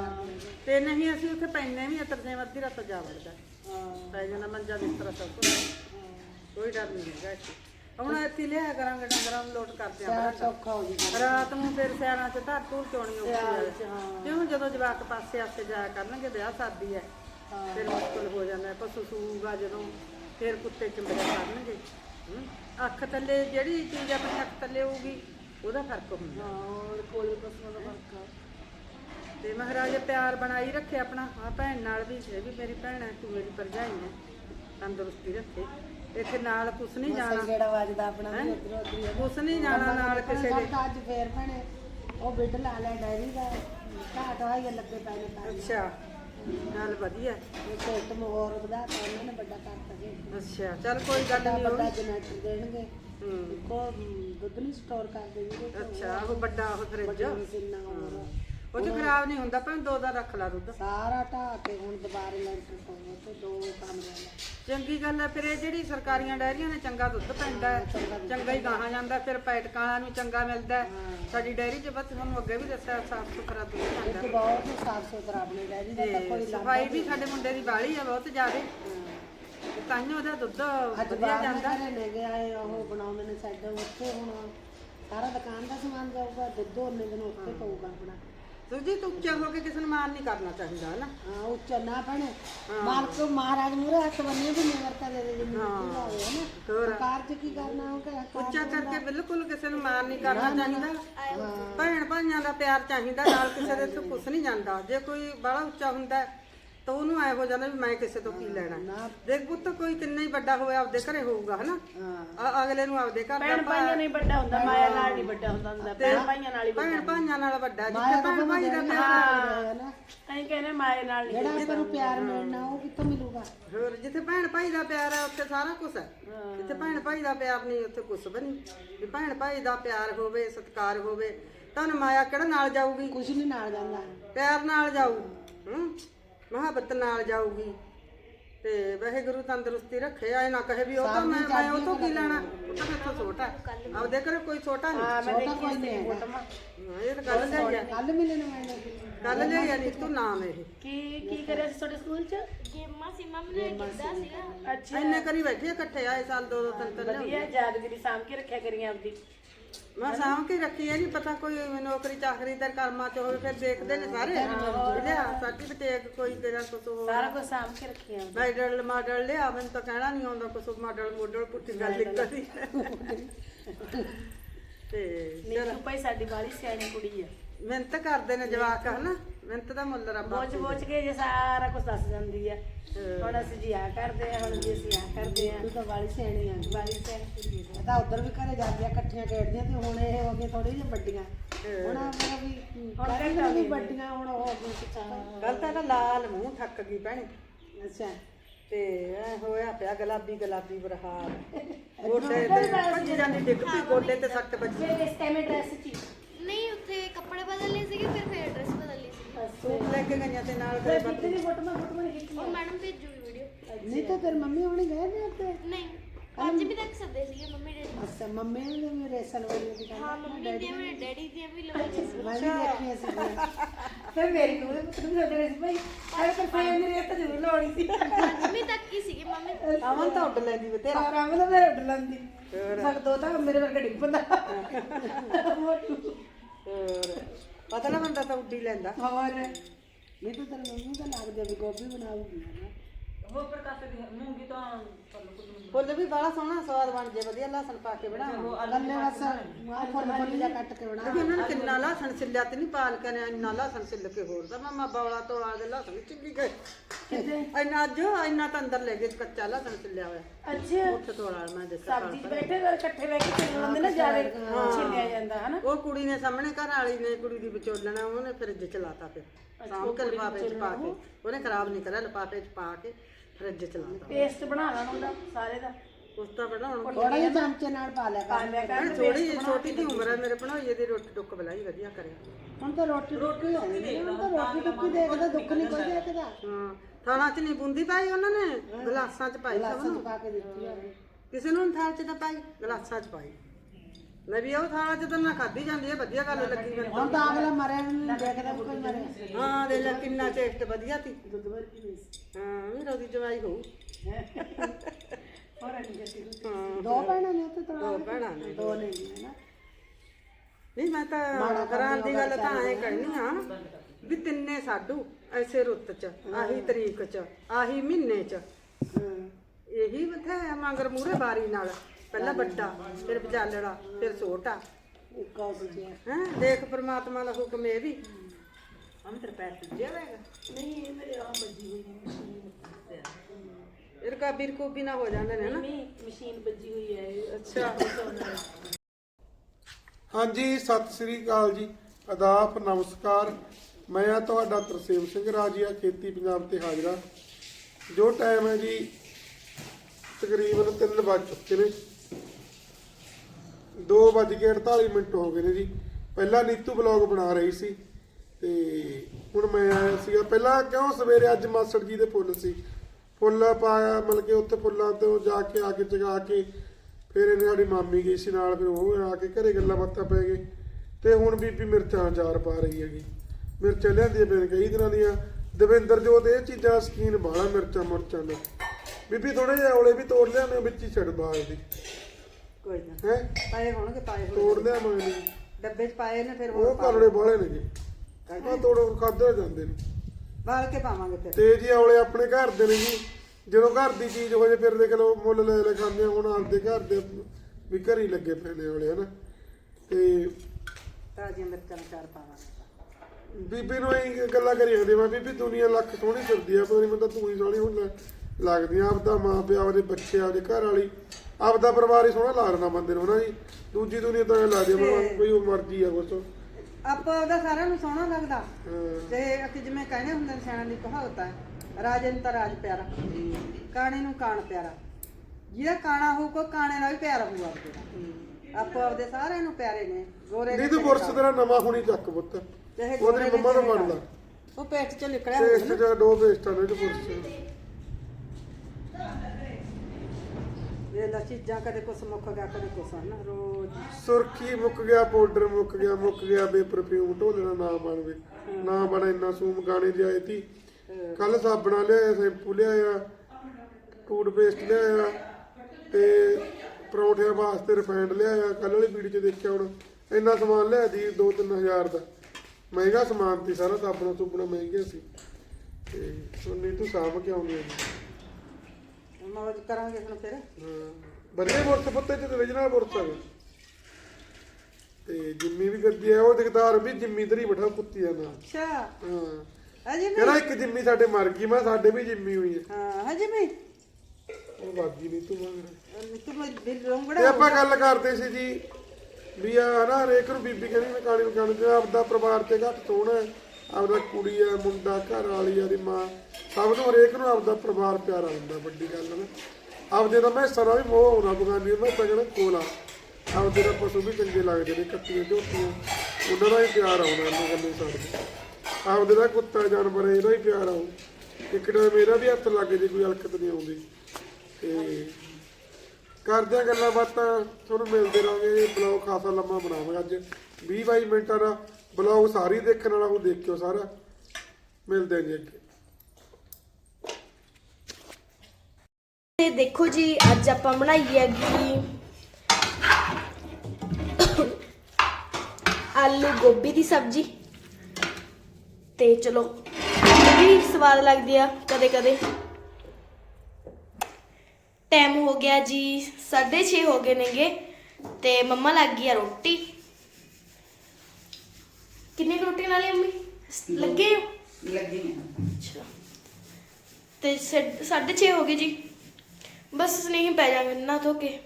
A: ਤੇ ਨਹੀਂ ਅਸੀਂ ਉੱਥੇ ਪੈਨੇ ਵੀ ਅਤਰ ਜੇ ਅੱਧੀ ਰਾਤ ਜਾ ਵੜਦਾ। ਪੈ ਜਾਂਦਾ ਮੰਜਾ ਬਿਸਤਰਾ ਸਭ ਕੁਝ, ਕੋਈ ਡਰ ਨਹੀਂ ਹੈਗਾ ਇੱਥੇ। ਹੁਣ ਇੱਥੇ ਲਿਆ ਕਰਾਂਗੇ ਡੰਗਰਾਂ ਨੂੰ ਲੋਟ ਕਰਦੇ ਆਂ
E: ਸੌਖਾ ਹੋ ਜੀ।
A: ਰਾਤ ਨੂੰ ਫਿਰ ਸਿਆਲਾਂ ਚ ਧਰ ਧੂਰ ਚੋਣੀ ਔਖੀ ਹੈ। ਕਿਉਂ ਜਦੋਂ ਜਵਾਕ ਪਾਸੇ ਆਸੇ ਜਾਇਆ ਕਰਨਗੇ ਵਿਆਹ ਸ਼ਾਦੀ ਹੈ ਫਿਰ ਮੁਸ਼ਕਲ ਹੋ ਜਾਂਦਾ ਹੈ। ਪਸ਼ੂ ਸੂਗਾ ਜਦੋਂ ਫਿਰ ਕੁੱਤੇ ਚੰਬੜਿਆ ਕਰਨਗੇ। ਹਮ, ਅੱਖ ਥੱਲੇ ਜਿਹੜੀ ਚੀਜ਼ ਆਪਣੀ ਅੱਖ ਥੱਲੇ ਹੋਊਗੀ ਉਹਦਾ ਫਰਕ ਹੁੰਦਾ।
C: ਹੋਰ ਕੋਈ ਪਸ਼ੂ ਦਾ ਫਰਕ ਆ
A: ਤੇ ਮਹਾਰਾਜ ਪਿਆਰ ਬਣਾਈ ਰੱਖੇ ਆਪਣਾ। ਆ ਭੈਣ ਨਾਲ ਵੀ ਇਹ ਵੀ ਮੇਰੀ ਭੈਣ ਹੈ, ਤੂੰ ਮੇਰੀ ਭਰਜਾਈ ਹੈ, ਤੰਦਰੁਸਤੀ ਰੱਖੇ। ਇੱਥੇ ਨਾਲ ਕੁਛ ਨਹੀਂ ਜਾਣਾ,
E: ਜਿਹੜਾ ਵੱਜਦਾ ਆਪਣਾ ਵੀ ਉਧਰ ਉਧਰ
A: ਕੁਛ ਨਹੀਂ ਜਾਣਾ ਨਾਲ ਕਿਸੇ ਦੇ।
E: ਅੱਜ ਫੇਰ ਭੈਣੇ ਉਹ ਬਿੱਡ ਲਾ ਲਿਆ ਡੈਰੀ ਦਾ ਘਾਟ ਆਈ ਲੱਗੇ ਪੈ ਨੇ ਤਾਂ
A: ਅੱਛਾ ਨਾਲ ਵਧੀਆ।
E: ਇਹ ਕੋਟ ਮੋਰ ਵਧਾ ਤਾ ਉਹਨਾਂ ਨੇ ਵੱਡਾ ਕਰਤਾ ਜੀ।
A: ਅੱਛਾ ਚੱਲ ਕੋਈ ਗੱਲ ਨਹੀਂ
E: ਵੱਡਾ
A: ਹੋਣੀ।
E: ਜਨਰੇਟਰ ਦੇਣਗੇ।
A: ਹੂੰ
E: ਕੋ ਦੁੱਧ ਨਹੀਂ ਸਟੋਰ ਕਰਦੇ ਜੀ।
A: ਅੱਛਾ ਉਹ ਵੱਡਾ ਉਹ ਫਰਿੱਜ
E: ਮਸ਼ੀਨਾਂ ਹੋਰ
A: ਉਹ ਚ ਖਰਾਬ ਨਹੀਂ ਹੁੰਦਾ ਭਾਵੇਂ ਦੋ ਦਾ ਰੱਖ ਲਾ ਦੁੱਧ।
E: ਸਾਰਾ ਢਾਹ ਕੇ ਹੁਣ ਦੁਬਾਰੇ ਲੈਂਟਰ ਪਾਉਣਾ ਤੇ ਦੋ ਕਮਰਿਆਂ ਦਾ।
A: ਚੰਗੀ ਗੱਲ ਹੈ। ਫਿਰ ਇਹ ਜਿਹੜੀ ਸਰਕਾਰੀਆਂ ਡੈਰੀਆਂ ਨੇ ਚੰਗਾ ਦੁੱਧ ਪੈਂਦਾ ਹੈ, ਚੰਗਾ ਹੀ ਗਾਹਾਂ ਜਾਂਦਾ। ਫਿਰ ਪੈਟਕਾਂ ਵਾਲਿਆਂ ਨੂੰ ਚੰਗਾ ਮਿਲਦਾ ਹੈ। ਸਾਡੀ ਡੈਰੀ 'ਚ ਬਸ ਤੁਹਾਨੂੰ ਅੱਗੇ ਵੀ ਦੱਸਿਆ ਸਾਫ ਸੁਥਰਾ ਦੁੱਧ
E: ਇੱਕ
A: ਜਾਂਦਾ।
E: ਬਹੁਤ ਸਾਫ ਸੁਥਰਾ ਆਪਣੀ ਡੈਰੀ ਦਾ ਤਾਂ ਕੋਈ
A: ਤੇ ਸਫਾਈ ਵੀ ਸਾਡੇ ਮੁੰਡੇ ਦੀ ਬਾਹਲੀ ਹੈ ਬਹੁਤ ਜ਼ਿਆਦਾ। ਤਾਂਹੀਓ ਉਹਦਾ ਦੁੱਧ
E: ਅੱਜ
A: ਵਧੀਆ
E: ਬਾਹਰ
A: ਜਾਂਦਾ।
E: ਘਰੇ ਲੈ ਕੇ ਆਏ ਉਹ ਬਣਾਉਂਦੇ ਨੇ ਸਾਡੇ ਉੱਥੇ। ਹੁਣ ਸਾਰਾ ਦੁਕਾਨ ਦਾ ਸਮਾਨ ਜਾਊਗਾ, ਦੁੱਧ ਉਹਨੇ ਦਿਨ ਉੱਥੇ ਪਊਗਾ ਆਪਣਾ।
A: ਸੁਜੀ ਤੂੰ ਉੱਚਾ ਹੋ ਕੇ ਕਿਸੇ ਨੂੰ ਮਾਰ ਨਹੀਂ ਕਰਨਾ ਚਾਹੀਦਾ ਹੈ ਨਾ।
E: ਹਾਂ ਉੱਚਾ ਨਾ ਭੈਣੇ ਮਾਲਕ ਮਹਾਰਾਜ ਮੂਰੇ ਹੱਥ ਬੰਨੇ ਵੀ ਨਿਵਰਤਾ ਦੇ ਦੇ ਜਿੰਨੀ ਹੋਵੇ ਹੈ ਨਾ।
A: ਹੋਰ
E: ਕਾਰ ਚ ਕੀ ਕਰਨਾ ਉਹ ਕਹੇ
A: ਉੱਚਾ ਕਰਕੇ ਬਿਲਕੁਲ ਕਿਸੇ ਨੂੰ ਮਾਰ ਨਹੀਂ ਕਰਨਾ ਚਾਹੀਦਾ। ਭੈਣ ਭਾਈਆਂ ਦਾ ਪਿਆਰ ਚਾਹੀਦਾ ਨਾਲ। ਕਿਸੇ ਦੇ ਤੋਂ ਕੁਛ ਨਹੀਂ ਜਾਂਦਾ। ਜੇ ਕੋਈ ਬੜਾ ਉੱਚਾ ਹੁੰਦਾ ਹੈ ਤਾਂ ਉਹਨੂੰ ਐ ਹੋ ਜਾਂਦਾ ਵੀ ਮੈਂ ਕਿਸੇ ਤੋਂ ਕੀ ਲੈਣਾ। ਦੇਖ ਪੁੱਤ ਕੋਈ ਕਿੰਨਾ ਹੀ ਵੱਡਾ ਹੋਇਆ ਆਪਦੇ ਘਰੇ ਹੋਊਗਾ ਹਨਾ। ਆ ਅਗਲੇ ਨੂੰ ਆਪਦੇ ਘਰ
C: ਭੈਣ
A: ਦਾ
C: ਭਾਈਆਂ ਨਹੀਂ ਵੱਡਾ ਹੁੰਦਾ ਮਾਇਆ ਨਾਲ ਨਹੀਂ ਵੱਡਾ ਹੁੰਦਾ ਹੁੰਦਾ ਭੈਣ ਭਾਈਆਂ ਨਾਲ ਹੀ ਵੱਡਾ
A: ਭੈਣ ਭਾਈਆਂ ਨਾਲ ਵੱਡਾ। ਜਿੱਥੇ ਭੈਣ ਭਾਈ ਦਾ ਪਿਆਰ
E: ਹੈ ਨਾ।
C: ਅਸੀਂ ਕਹਿੰਦੇ ਮਾਇਆ ਨਾਲ ਨਹੀਂ
E: ਜਿਹੜਾ ਆਪਾਂ ਨੂੰ ਪਿਆਰ ਮਿਲਣਾ ਉਹ ਕਿੱਥੋਂ ਮਿਲੂਗਾ।
A: ਹੋਰ ਜਿੱਥੇ ਭੈਣ ਭਾਈ ਦਾ ਪਿਆਰ ਹੈ ਉੱਥੇ ਸਾਰਾ ਕੁਝ ਹੈ। ਜਿੱਥੇ ਭੈਣ ਭਾਈ ਦਾ ਪਿਆਰ ਨਹੀਂ ਉੱਥੇ ਕੁਝ ਵੀ ਨਹੀਂ। ਜੇ ਭੈਣ ਭਾਈ ਦਾ ਪਿਆਰ ਹੋਵੇ, ਸਤਿਕਾਰ ਹੋਵੇ ਤਾਂ ਮਾਇਆ ਕਿਹੜਾ ਨਾਲ ਜਾਊਗੀ।
E: ਕੁਝ ਨਹੀਂ ਨਾਲ ਜਾਂਦਾ।
A: ਪਿਆਰ ਨਾਲ ਜਾਊ, ਹੂੰ ਮੁਹੱਬਤ ਨਾਲ ਜਾਊਗੀ। ਤੇ ਵਾਹਿਗੁਰੂ ਤੰਦਰੁਸਤੀ ਰੱਖੇ। ਆਏ ਨਾ ਕਹੇ ਵੀ ਉਹ ਤਾਂ ਮੈਂ ਮੈਂ ਉਹ ਤੋਂ ਕੀ ਲੈਣਾ, ਉਹ ਤਾਂ ਮੇਥੋਂ ਛੋਟਾ ਹੈ। ਆਪਦੇ ਘਰੇ ਕੋਈ ਛੋਟਾ ਨਹੀਂ।
C: ਮੈਂ ਦੇਖੀ ਸੀ ਫੋਟੋ
A: ਹਾਂ, ਇਹ ਤਾਂ ਗੱਲ ਸਹੀ ਹੈ।
E: ਕੱਲ ਮਿਲਣ ਵਾਲੇ
A: ਗੱਲ ਲਈ ਆ ਨੀ ਤੂੰ ਨਾਮ ਇਹ
C: ਕੀ ਕੀ ਕਰਿਆ ਸੀ ਤੁਹਾਡੇ ਸਕੂਲ ਚ
D: ਗੇਮਾਂ ਸੀ ਮੰਮੀ ਨੇ ਕਿੱਦਾਂ ਸੀਗਾ।
C: ਅੱਛਾ
A: ਇੰਨੇ ਕਰੀ ਬੈਠੇ ਇਕੱਠੇ ਆਏ ਸਾਲ ਦੋ ਦੋ ਤਿੰਨ ਤਿੰਨ
C: ਵਧੀਆ ਯਾਦਗਿਰੀ ਸਾਂਭ ਕੇ ਰੱਖਿਆ ਕਰੀਆਂ ਆਪਦੀ।
A: ਮੈਂ ਸਾਂਭ ਕੇ ਰੱਖੀ ਹੈ, ਨਹੀਂ ਪਤਾ ਕੋਈ ਨੌਕਰੀ ਚਾਕਰੀ ਦਾ ਕਰਮਾਂ ਚ ਹੋਵੇ ਫਿਰ ਦੇਖਦੇ ਨੇ ਸਾਰੇ ਲਿਆ ਸਰਟੀਫਿਕੇਟ ਕੋਈ ਤੇਰਾ ਕੁਛ ਹੋਰ
C: ਸਾਰਾ ਕੁਝ ਸਾਂਭ ਕੇ ਰੱਖਿਆ
A: ਮਾਡਲ ਮਾਡਲ ਲਿਆ ਮੈਨੂੰ ਤਾਂ ਕਹਿਣਾ ਨਹੀਂ ਆਉਂਦਾ ਕੁਛ ਮਾਡਲ ਮੋਡਲ ਪੁੱਠੀ ਗੱਲ ਨਿਕਲਦੀ ਤੇ
C: ਨੀਤੂ ਭਾਈ ਸਾਡੀ ਬਾਲੀ ਸਿਆਣੀ ਕੁੜੀ ਆ,
A: ਮਿਹਨਤ ਕਰਦੇ ਨੇ ਜਵਾਕ ਹਨਾ, ਮਿਹਨਤ ਦਾ ਮੁੱਲ ਰੱਬ
C: ਬੋਝ ਬੋਝ ਕੇ ਜੇ ਸਾਰਾ ਕੁਝ ਦੱਸ ਜਾਂਦੀ ਆ। ਹੁਣ ਅਸੀਂ ਜੀ ਆ ਕਰਦੇ ਆ, ਹੁਣ ਜੀ ਅਸੀਂ ਆ ਕਰਦੇ ਆ।
E: ਤੂੰ ਤਾਂ ਵਾਲੀ ਸਿਆਣੀ ਆ
C: ਬਾਲੀ ਸਿਆਣੀ ਕੁੜੀ ਆ।
E: ਮੈਂ ਤਾਂ ਉਧਰ ਵੀ ਘਰੇ ਜਾਂਦੀਆਂ ਇਕੱਠੀਆਂ ਖੇਡਦੀਆਂ ਤੇ ਹੁਣ ਇਹ ਹੋ ਗਏ ਥੋੜੀ ਜਿਹੀ ਵੱਡੀਆਂ ਹੁਣ ਆਪਣਾ ਵੀ
C: ਹੁਣ
E: ਹੁਣ ਵੀ ਵੱਡੀਆਂ ਹੁਣ ਹੋ ਗਈਆਂ।
A: ਕੱਲ ਤਾਂ ਇਹਦਾ ਲਾਲ ਮੂੰਹ ਥੱਕ ਗਈ ਭੈਣੇ
E: ਅੱਛਾ
A: ਤੇ ਐ ਹੋਇਆ ਪਿਆ ਗੁਲਾਬੀ ਗੁਲਾਬੀ ਬਰਹਾਰ ਗੋਡੇ ਤੇ ਭੱਜੀ ਜਾਂਦੀ ਡਿੱਗ ਪਈ ਗੋਡੇ ਤੇ ਸੱਟ ਵੱਜੀ
C: ਫਿਰ ਇਸ ਟਾਈਮ ਡਰੈਸ ਚ
D: ਨਹੀਂ ਉੱਥੇ ਕੱਪੜੇ ਬਦਲ ਲਏ ਸੀਗੇ ਫਿਰ ਫੇਰ ਐਡਰੈਸ ਬਦਲ ਲਈ ਸੀ।
A: ਸੂਟ ਲੈ ਕੇ ਗਈਆਂ ਤੇ ਨਾਲ
C: ਫਿਰ
A: ਫਿਰ
C: ਕਿਤੇ ਦੀ ਫੋਟੋ ਮੈਂ ਫੋਟੋ ਨਹੀਂ ਖਿੱਚੀ
D: ਉਹ ਮੈਡਮ ਭੇਜੂਗੀ ਵੀਡੀਓ।
E: ਨਹੀਂ ਤਾਂ ਤੇਰੀ ਮੰਮੀ ਹੁਣੀ ਗਏ ਨੇ ਉੱਤੇ
D: ਨਹੀਂ ਅੱਜ ਵੀ ਤੱਕ ਸੱਦੇ ਸੀਗੇ ਮੰਮੀ ਡੈਡੀ।
E: ਅੱਛਾ ਮੰਮੀ ਨੇ ਵੀ ਰੇਸਲ ਵਾਲੀ ਦੀ ਗੱਲ
D: ਹਾਂ ਮੰਮੀ ਦੀਆਂ ਮੇਰੇ ਡੈਡੀ ਦੀਆਂ ਵੀ ਲਵਾਈਆਂ ਸੀ।
E: ਮੈਂ ਵੀ ਦੇਖੀਆਂ ਸੀ
C: ਫਿਰ ਮੇਰੀ ਕੋਲ ਪੁੱਤ ਵੀ ਸੋਚ ਰਹੀ ਸੀ ਭਾਈ ਐ ਤਾਂ ਫੇਰ ਮੇਰੀ ਇਹ ਤਾਂ ਜ਼ਰੂਰ ਲਾਉਣੀ ਸੀ।
D: ਮੰਮੀ ਤੱਕ ਹੀ ਸੀਗੇ ਮੰਮੀ।
A: ਅਮਨ ਤਾਂ ਉੱਡ ਲੈਂਦੀ ਵੇ ਤੇਰਾ
C: ਆਰਾਮ ਨਾਲ ਮੇਰੇ ਉੱਡ ਲੰਦੀ ਸਕ ਦੋ ਤਾਂ ਮੇਰੇ ਵਰਗਾ ਡਿੱਗ ਪੰਦਾ ਮੋਟੂ
A: ਹੋਰ ਪਤਾ ਨਾ ਬੰਦਾ ਤਾਂ ਉੱਡੀ ਲੈਂਦਾ
C: ਹੋਰ
E: ਨਹੀਂ ਤਾਂ ਤੇਰੀ ਮੰਮੀ ਤਾਂ ਲੱਗ ਜਾਵੇ ਗੋਭੀ ਬਣਾਉਗੀ ਨਾ
B: ਉਹ ਪ੍ਰਕਾਸ਼ ਦੀ ਮੂੰਗੀ ਤਾਂ
A: ਫੁੱਲ ਵੀ ਬੜਾ ਸੋਹਣਾ ਸਵਾਦ ਬਣ ਜੇ ਵਧੀਆ ਲਸਣ ਪਾ ਕੇ ਬਣਾਵਾਂ
E: ਗੱਲੇ ਬਸ ਆਹ ਫੁੱਲ ਫੁੱਲ ਜਿਹਾ ਕੱਟ ਕੇ ਬਣਾ
A: ਕਿਉਂਕਿ ਉਹਨਾਂ ਨੇ ਕਿੰਨਾ ਲਸਣ ਸਿੱਲਿਆ ਤੇ ਨਹੀਂ ਪਾਲਕ ਨੇ ਇੰਨਾ ਲਸਣ ਸਿੱਲ ਕੇ ਹੋਰ ਤਾਂ ਮਾਮਾ ਬੌਲਾ ਤੋਲਾ ਦੇ ਲਸਣ ਚਿੱਲੀ ਗਏ
C: ਕਿਤੇ
A: ਇੰਨਾ ਜੋ ਇੰਨਾ ਤਾਂ ਅੰਦਰ ਲੈ ਗਏ ਕੱਚਾ ਲਸਣ ਸਿੱਲਿਆ ਹੋਇਆ
C: ਅੱਛਾ
A: ਉੱਥੇ ਤੋਲਾ ਮੈਂ ਦੱਸਿਆ
C: ਸਬਜ਼ੀ 'ਚ ਬੈਠੇ ਘਰ ਇਕੱਠੇ ਬੈਠ ਕੇ ਚੱਲ ਲੈਂਦੇ ਨਾ ਜਿਆਦਾ ਛਿੱਲਿਆ ਜਾਂਦਾ ਹਨਾ।
A: ਉਹ ਕੁੜੀ ਨੇ ਸਾਹਮਣੇ ਘਰ ਵਾਲੀ ਨੇ ਕੁੜੀ ਦੀ ਵਿਚੋਲਣਾ ਉਹਨੇ ਫਰਿੱਜ ਚ ਲਾਤਾ ਫਿਰ ਸਾਂਭ ਕੇ ਲਿਫਾਫੇ ਚ ਪਾ ਕੇ ਉਹਨੇ ਖਰਾਬ ਨਹੀਂ ਕਰਿਆ ਲਿਫਾਫੇ ਚ ਪਾ ਕੇ ਫਰਿੱਜ ਚ ਲਾਤਾ
C: ਪੇਸਟ ਬਣਾ ਲੈਣਾ ਹੁੰਦਾ ਸਾਰੇ ਦਾ
A: ਉਸ ਤਾਂ ਬਣਾਉਣ
E: ਥੋੜਾ ਜਿਹਾ ਚਮਚੇ ਨਾਲ ਪਾ ਲਿਆ
C: ਪਾ
E: ਕਰ
C: ਲਿਆ ਕਰ
A: ਥੋੜੀ ਜਿਹੀ ਛੋਟੀ ਦੀ ਉਮਰ ਹੈ ਮੇਰੇ ਭਣੋਈਏ ਦੀ ਰੋਟੀ ਟੁੱਕ ਬਲਾਈ ਵਧੀਆ ਕਰਿਆ
E: ਹੁਣ ਤਾਂ ਰੋਟੀ ਰੋਟੀ ਆਉਂਦੀ ਨਹੀਂ ਹੁਣ ਤਾਂ ਰੋਟੀ ਟੁੱਕੀ ਦੇਖਦਾ ਦੁੱਖ ਨਹੀਂ ਕੋਈ ਦੇਖਦਾ
A: ਹਾਂ ਥਾਣਾ ਚ ਨਹੀਂ ਬੂੰਦੀ ਪਾਈ ਉਹਨਾਂ ਨੇ ਗਲਾਸਾਂ ਚ ਪਾਈ ਸਭ
E: ਗਲਾਸਾਂ
A: ਨੂੰ
E: ਚ ਪਾ ਕੇ ਦਿੱਤੀ ਆ
A: ਕਿਸੇ ਨੂੰ ਨੀ ਥਾਲ ਚ ਤਾਂ ਪਾਈ ਗਲਾਸਾਂ ਚ ਪਾਈ ਮੈਂ ਵੀ ਉਹ ਥਾਲਾਂ ਚ ਤਾਂ ਨਾ ਖਾਧੀ ਜਾਂਦੀ ਹੈ ਵਧੀਆ ਗੱਲ ਲੱਗੀ ਮੈਨੂੰ
E: ਹੁਣ ਤਾਂ ਅਗਲਾ ਮਰਿਆ ਵੀ ਨਹੀਂ ਦੇਖਦਾ ਵੀ ਕੋਈ ਮਰਿਆ
A: ਹਾਂ ਦੇ ਲੈ ਕਿੰਨਾ ਟੇਸਟ ਵਧੀਆ ਸੀ
C: ਦੁੱਧ ਵਰ ਕੀ ਨਹੀਂ
A: ਹਾਂ ਵੀ ਰੋਦੀ ਜਵਾਈ ਹੋਊ
C: ਹੋਰ ਨਹੀਂ ਜੱਤੀ
A: ਹਾਂ
E: ਦੋ ਭੈਣਾਂ ਨੇ ਉੱਥੇ ਤਾਂ
A: ਦੋ ਭੈਣਾਂ ਨੇ
E: ਦੋ ਨੇ ਜੀ ਹੈ ਨਾ
A: ਨਹੀਂ ਮੈਂ ਤਾਂ ਹੈਰਾਨ ਦੀ ਗੱਲ ਤਾਂ ਐ ਕਹਿਣੀ ਆ ਵੀ ਤਿੰਨੇ ਸਾਡੂ ਐਸੇ ਰੁੱਤ ਚ ਆਹੀ ਤਰੀਕ ਚ ਆਹੀ ਮਹੀਨੇ ਚ ਇਹੀ ਬਥੇਰਾ ਮੰਗਰ ਮੂਰੇ ਬਾਰੀ ਨਾਲ ਪਹਿਲਾਂ ਵੱਡਾ ਫਿਰ ਵਿਚਾਲੜਾ ਫਿਰ ਛੋਟਾ
E: ਇੱਕੋ ਸੀ
A: ਹੈ ਦੇਖ ਪ੍ਰਮਾਤਮਾ ਦਾ ਹੁਕਮ ਇਹ ਵੀ ਹਮ ਤੇਰੇ ਪੈਰ ਸੁੱਜਿਆ ਹੋਏਗਾ
C: ਨਹੀਂ ਇਹ ਮੇਰੇ ਆ ਵੱਜੀ ਹੋਈ ਹੈ ਮਸ਼ੀਨ
A: ਇਰਕਾ ਬਿਰਕੂ ਵੀ ਨਾ ਹੋ ਜਾਂਦੇ ਨੇ ਨਾ
C: ਨਹੀਂ ਮਸ਼ੀਨ ਵੱਜੀ ਹੋਈ ਹੈ
A: ਅੱਛਾ
F: ਹਾਂਜੀ ਸਤਿ ਸ੍ਰੀ ਅਕਾਲ ਜੀ ਆਦਾਬ ਨਮਸਕਾਰ ਮੈਂ ਆ ਤੁਹਾਡਾ ਤਰਸੇਮ ਸਿੰਘ ਰਾਜੀਆ ਖੇਤੀ ਪੰਜਾਬ ਤੇ ਹਾਜ਼ਰਾ ਜੋ ਟਾਈਮ ਹੈ ਜੀ ਤਕਰੀਬਨ ਤਿੰਨ ਵੱਜ ਚੁੱਕੇ ਨੇ ਦੋ ਵੱਜ ਕੇ ਅੜਤਾਲੀ ਮਿੰਟ ਹੋ ਗਏ ਨੇ ਜੀ ਪਹਿਲਾਂ ਨੀਤੂ ਬਲੌਗ ਬਣਾ ਰਹੀ ਸੀ ਤੇ ਹੁਣ ਮੈਂ ਆਇਆ ਸੀਗਾ ਪਹਿਲਾਂ ਕਿਉਂ ਸਵੇਰੇ ਅੱਜ ਮਾਸੜ ਜੀ ਦੇ ਫੁੱਲ ਸੀ ਫੁੱਲ ਪਾਇਆ ਮਤਲਬ ਕਿ ਉੱਥੇ ਫੁੱਲਾਂ ਤੋਂ ਜਾ ਕੇ ਆ ਕੇ ਜਗਾ ਕੇ ਫਿਰ ਇਹਨੇ ਸਾਡੀ ਮਾਮੀ ਗਈ ਸੀ ਨਾਲ ਫਿਰ ਉਹ ਆ ਕੇ ਘਰੇ ਗੱਲਾਂ ਬਾਤਾਂ ਪੈ ਗਏ ਤੇ ਹੁਣ ਬੀਬੀ ਮਿਰਚਾਂ ਅਚਾਰ ਪਾ ਰਹੀ ਹੈਗੀ ਮਿਰਚਾਂ ਲਿਆਂਦੀਆਂ ਪਈਆਂ ਕਈ ਦਿਨਾਂ ਦੀਆਂ ਦਵਿੰਦਰ ਜੋਤ ਇਹ ਚੀਜ਼ਾਂ ਸ਼ਕੀਨ ਬਾਹਲਾ ਮਿਰਚਾਂ ਮੁਰਚਾਂ ਦਾ ਬੀਬੀ ਥੋੜੇ ਜਿਹੇ ਔਲੇ ਵੀ ਤੋੜ ਲਿਆਉਂਦੇ ਵਿੱਚ ਹੀ ਛੱਡ ਬਾਗ ਦੀ
A: ਕੋਈ ਨਾ
F: ਹੈ
A: ਪਾਏ ਹੋਣਗੇ ਪਾਏ ਹੋਣਗੇ
F: ਤੋੜ ਲਿਆਵਾਂਗੇ
A: ਡੱਬੇ ਚ ਪਾਏ ਨੇ ਫਿਰ
F: ਉਹ ਕਰੜੇ ਬਾਹਲੇ ਨੇ ਜੀ ਆ ਤੋੜ ਖਾਦੇ ਜਾਂਦੇ ਨੇ
A: ਬਾਲ ਕੇ ਪਾਵਾਂਗੇ ਫਿਰ
F: ਤੇ ਜੀ ਔਲੇ ਆਪਣੇ ਘਰ ਦੇ ਨੇ ਜੀ ਜਦੋਂ ਘਰ ਦੀ ਚੀਜ਼ ਹੋ ਜੇ ਫਿਰ ਦੇਖ ਲਓ ਮੁੱਲ ਲੈ ਲੈ ਖਾਂਦੇ ਆ, ਹੁਣ ਆਪਦੇ ਘਰ ਦੇ ਵੀ ਘਰ ਹੀ ਲੱਗੇ ਪਏ ਨੇ ਔਲੇ ਹਨਾ ਤੇ
A: ਤਾਜ਼ੀਆਂ ਮਿਰਚਾਂ ਚਾਰ ਪਾਵਾਂਗੇ
F: ਬੀਬੀ ਨੂੰ ਇਹ ਗੱਲਾਂ ਕਰੀ ਜਾਂਦੀ ਮੈਂ ਬੀਬੀ ਦੁਨੀਆ ਲੱਖ ਸੋਹਣੀ ਫਿਰਦੀ ਆ ਪਰ ਮੈਨੂੰ ਤਾਂ ਤੂੰ ਹੀ ਸੋਹਣੀ ਹੁਣ ਲੱਗਦੀ ਆ ਆਪਦਾ ਮਾਂ ਪਿਓ ਆਪਦੇ ਬੱਚੇ ਆਪਦੇ ਘਰ ਵਾਲੀ ਆਪਦਾ ਪਰਿਵਾਰ ਹੀ ਸੋਹਣਾ ਲੱਗਦਾ ਬੰਦੇ ਨੂੰ ਹਨਾ ਜੀ ਦੂਜੀ ਦੁਨੀਆ ਤਾਂ ਐਂ ਲੱਗਦੀ ਆ ਕੋਈ ਉਹ ਮਰਜ਼ੀ ਆ ਕੁਛ
A: ਆਪਾਂ ਉਹਦਾ ਸਾਰਿਆਂ ਨੂੰ ਸੋਹਣਾ ਲੱਗਦਾ ਤੇ ਅਸੀਂ ਜਿਵੇਂ ਕਹਿੰਦੇ ਹੁੰਦੇ ਨੇ ਸਿਆਣਿਆਂ ਦੀ ਕਹਾਵਤ ਹੈ ਰਾਜਨ ਤਾਂ ਰਾਜ ਪਿਆਰਾ ਕਾਣੇ ਨੂੰ ਕਾਣ ਪਿਆਰਾ ਜਿਹਦਾ ਕਾਣਾ ਹੋਊ ਕੋ ਕਾਣੇ ਨਾਲ ਵੀ ਪਿਆਰਾ ਹੋਊਗਾ ਆਪਦੇ ਆਪੋ ਆਪਦੇ ਸਾਰਿਆਂ ਨੂੰ ਪਿਆਰੇ ਨੇ ਗੋਰੇ
F: ਨਹੀਂ ਤੂੰ ਬੁਰਸ ਤੇਰਾ ਨਵਾਂ ਹੁਣੀ ਚੱਕ ਪੁੱਤ
A: ਚਾਹੇ
F: ਉਹਦੀ
A: ਗੋਰੇ
F: ਮੰਮਾ ਨੂੰ
A: ਚਾਹੇ
F: ਬਣਦਾ
A: ਉਹ ਪੇਟ ਚੋਂ ਨਿਕਲਿਆ
F: ਪੇਸਟ ਜਾਂ ਦੋ ਪੇਸਟਾਂ ਨੇ ਤੇ ਬੁਰਸ
A: ਇਹ ਲਾ ਚੀਜ਼ਾਂ ਕਦੇ ਕੁਛ ਮੁੱਕ ਗਿਆ ਕਦੇ ਕੁਛ ਨਾ ਰੋਜ਼
F: ਸੁਰਖੀ ਮੁੱਕ ਗਿਆ ਪਾਊਡਰ ਮੁੱਕ ਗਿਆ ਮੁੱਕ ਗਿਆ ਬੇ ਪਰਫਿਊਮ ਢੋਲਣਾ ਨਾ ਬਣਵੇ ਨਾ ਬਣਾ ਇੰਨਾ ਸੂਮ ਗਾਣੇ ਦੀ ਆਈ ਤੀ ਕੱਲ ਸਾਬਣਾ ਲਿਆਇਆ ਸ਼ੈਂਪੂ ਲਿਆਇਆ ਟੂਥ ਪੇਸਟ ਲਿਆਇਆ ਤੇ ਪਰੌਂਠਿਆਂ ਵਾਸਤੇ ਰਿਫਾਈਂਡ ਲਿਆਇਆ, ਕੱਲ ਵਾਲੀ ਵੀਡੀਓ 'ਚ ਦੇਖਿਆ ਹੁਣ ਇੰਨਾ ਸਮਾਨ ਲਿਆ ਦੀ ਦੋ ਤਿੰਨ ਹਜ਼ਾਰ ਦਾ ਮਹਿੰਗਾ ਸਮਾਨ ਸੀ ਸਾਰਾ, ਸਾਬਣ ਸੁਬਣਾ ਮਹਿੰਗੇ ਸੀ ਤੇ ਸੁਣੀ ਤੂੰ ਸਾਂਭ ਕੇ ਆਉਂਦੀ ਹੈ
A: ਮੌਜ ਕਰਾਂਗੇ ਹੁਣ ਫਿਰ।
F: ਹਾਂ ਵਧੀਆ ਬੁਰਸ ਪੁੱਤੇ ਤੇ original ਬੁਰਸ ਹੈਗਾ ਤੇ ਜਿੰਮੀ ਵੀ ਕਰਦੀ ਹੈ, ਉਹ ਦਿਖਦਾਰ ਵੀ ਜਿੰਮੀ ਤੇਰੀ ਬੈਠਾ ਕੁੱਤੀ ਦਾ ਨਾਲ।
A: ਅੱਛਾ
F: ਹਾਂ
A: ਅਜੀ ਮੈਂ
F: ਕਹਿੰਦਾ ਇੱਕ ਜਿੰਮੀ ਸਾਡੇ ਮਰ ਗਈ, ਮੈਂ ਸਾਡੇ ਵੀ ਜਿੰਮੀ ਹੋਈ ਹੈ।
A: ਹਾਂ ਹਜੀ ਮੈਂ
F: ਉਹ ਬਾਗੀ ਨਹੀਂ ਤੂੰ ਮਗਰ
A: ਤੂੰ ਮੈਂ ਦਿਲ
F: ਤੇ
A: ਰੋਂਗੜਾ
F: ਆਪਾਂ ਗੱਲ ਕਰਦੇ ਸੀ ਜੀ ਵੀ ਆ ਨਾ ਹਰੇਕ ਨੂੰ ਬੀਬੀ ਕਹਿੰਦੀ ਮਕਾਨੀ ਮਕਾਨ ਚ ਆਪਦਾ ਪਰਿਵਾਰ ਤੇ ਘੱਟ ਸੋਹਣਾ ਹੈ, ਆਪਦਾ ਕੁੜੀ ਆ ਮੁੰਡਾ ਘਰ ਵਾਲੀ ਆ ਦੀ ਮਾਂ, ਸਭ ਨੂੰ ਹਰੇਕ ਨੂੰ ਆਪਦਾ ਪਰਿਵਾਰ ਪਿਆਰਾ ਹੁੰਦਾ। ਵੱਡੀ ਗੱਲ ਹੈ ਨਾ, ਆਪਦੇ ਦਾ ਮੈਂ ਸਾਰਾ ਵੀ ਮੋਹ ਆਉਂਦਾ ਬਗਾਨੀ ਮੈਂ ਤਾਂ ਕਹਿੰਦਾ ਕੋਲ ਆ, ਆਪਦੇ ਦਾ ਪਸ਼ੂ ਵੀ ਚੰਗੇ ਲੱਗਦੇ ਨੇ, ਕੱਟੀਆਂ ਝੋਟੀਆਂ ਉਹਨਾਂ ਦਾ ਹੀ ਪਿਆਰ ਆਉਂਦਾ ਇਹਨਾਂ ਗੱਲਾਂ ਛੱਡ। ਆਪਦੇ ਦਾ ਕੁੱਤਾ ਜਾਨਵਰ ਇਹਦਾ ਹੀ ਪਿਆਰ ਆਉ, ਇੱਕ ਟਾਈਮ ਮੇਰਾ ਵੀ ਹੱਥ ਲੱਗ ਜੇ ਕੋਈ ਹਲਕਤ ਨਹੀਂ ਆਉਂਦੀ। ਤੇ ਕਰਦੇ ਆ ਗੱਲਾਂ ਬਾਤਾਂ, ਤੁਹਾਨੂੰ ਮਿਲਦੇ ਰਹਾਂਗੇ। ਬਲੌਗ ਖਾਸਾ ਲੰਮਾ ਬਣਾਵਾਂਗੇ ਅੱਜ, ਵੀਹ ਬਾਈ ਮਿੰਟਾਂ ਦਾ ਬਲੌਗ ਸਾਰੀ ਦੇਖਣ ਵਾਲਾ ਉਹ ਦੇਖਿਓ ਸਾਰਾ। ਮਿਲਦੇ ਜੀ ਅੱਗੇ।
C: ਤੇ ਦੇਖੋ ਜੀ ਅੱਜ ਆਪਾਂ ਬਣਾਈ ਹੈਗੀ ਆਲੂ ਗੋਭੀ ਦੀ ਸਬਜ਼ੀ, ਤੇ ਚਲੋ ਇਹ ਵੀ ਸਵਾਦ ਲੱਗਦੀ ਆ ਕਦੇ ਕਦੇ। ਟਾਈਮ ਹੋ ਗਿਆ ਜੀ ਸਾਢੇ ਛੇ ਹੋ ਗਏ ਨੇਗੇ ਤੇ ਮੰਮਾ ਲੱਗ ਗਈ ਆ ਰੋਟੀ। ਕਿੰਨੀ ਕੁ ਰੋਟੀ ਨਾਲ ਮੰਮੀ ਲੱਗੇ ਹੋ?
B: ਲੱਗੀ ਨੇ।
C: ਅੱਛਾ ਤੇ ਸਾ- ਸਾਢੇ ਛੇ ਹੋ ਗਏ ਜੀ, ਬਸ ਸਨੇਹੀ ਪੈ ਜਾਵਾਂਗੇ ਨਾ ਧੋ ਕੇ।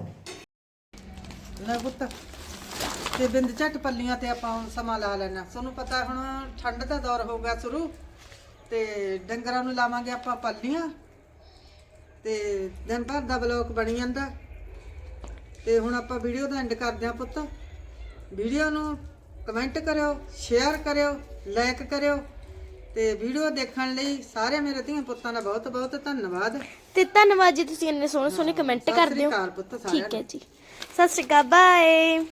A: ਲੈ ਪੁੱਤ ਤੇ ਬਿੰਦ ਝੱਟ ਪੱਲੀਆਂ ਤੇ ਆਪਾਂ ਹੁਣ ਸਮਾਂ ਲਾ ਲੈਣਾ। ਤੁਹਾਨੂੰ ਪਤਾ ਹੁਣ ਠੰਡ ਦਾ ਦੌਰ ਹੋ ਗਿਆ ਸ਼ੁਰੂ, ਤੇ ਡੰਗਰਾਂ ਨੂੰ ਲਾਵਾਂਗੇ ਆਪਾਂ ਪੱਲੀਆਂ, ਤੇ ਦਿਨ ਭਰ ਦਾ ਬਲੌਗ ਬਣੀ ਜਾਂਦਾ। ਤੇ ਹੁਣ ਆਪਾਂ ਵੀਡੀਓ ਦਾ ਐਂਡ ਕਰਦੇ ਹਾਂ ਪੁੱਤ। ਵੀਡੀਓ ਨੂੰ ਕਮੈਂਟ ਕਰਿਓ, ਸ਼ੇਅਰ ਕਰਿਓ, ਲਾਈਕ ਕਰਿਓ, ਤੇ ਵੀਡੀਓ ਦੇਖਣ ਲਈ ਸਾਰੇ ਮੇਰੇ ਧੀਆਂ ਪੁੱਤਾਂ ਦਾ ਬਹੁਤ ਬਹੁਤ ਧੰਨਵਾਦ।
C: ਤੇ ਧੰਨਵਾਦ ਜੀ, ਤੁਸੀਂ ਇੰਨੇ ਸੋਹਣੇ ਸੋਹਣੇ ਕਮੈਂਟ
A: ਸਤਿ
C: ਕਰਦੇ
A: ਸ੍ਰੀ
C: ਹੋ।
A: ਅਕਾਲ ਪੁੱਤ ਸਾਰਿਆਂ
C: ਠੀਕ ਹੈ ਜੀ, ਸਤਿ ਸ਼੍ਰੀ ਅਕਾਲ, ਬਾਏ।